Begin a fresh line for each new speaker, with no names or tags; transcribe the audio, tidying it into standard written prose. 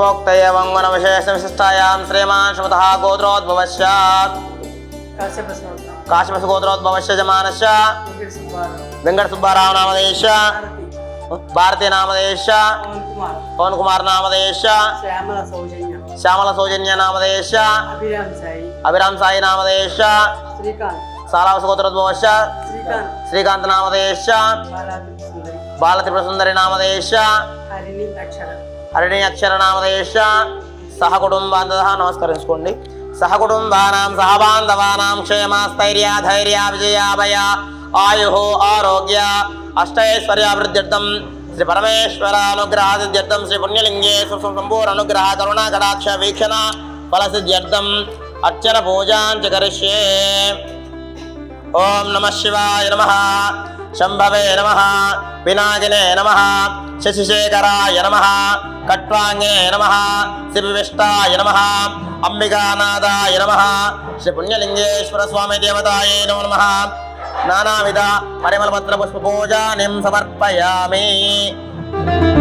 पूर्वोक्तये वङ्गनविशेषविशिष्टायां श्रीमान् श्रीमतः गोत्रोद्भवस्य काश्यपस्य गोत्रोद्भवस्य जमानस्य वेङ्कटसुब्बाराव नामधेयस्य भारती नामधेयस्य पवन कुमार नामधेयस्य श्यामल सौजन्य नामधेयस्य अभिराम साई नामधेयस्य सालावस गोत्रोद्भवस्य श्रीकांत नामधेयस्य बालत्रिपुरसुन्दरी नामधेयस्य हरिणी अक्षर नामधेयस्य सहकुटुंबान्तः नमस्कరించుకోండి सहकुटुंबानां सहबान्धवानां क्षेमस्थैर्य धैर्य विजयाभय आयुः आरोग्य अष्टैश्वर्याभिवृद्ध्यर्थं श्री परमेश्वरानुग्रहासिद्ध्यर्थं श्री पुण्यलिंगेश्वर संपूर्ण अनुग्रह करुणा कटाक्ष वीक्षण फलसिद्ध्यर्थं अर्चन पूजां च करिष्ये। ओम नमः शिवाय नमः, शंभवे नमः, पिनाकिने नमः, शशिशेखराय नमः, कट्वांगे नमः, शिवविष्टाय नमः, अंबिकानाथाय नमः, श्री पुण्यलिंगेश्वर स्वामी देवताये नमो नमः। नानाविध परिमलपत्र पुष्प पूजानिं समर्पयामि।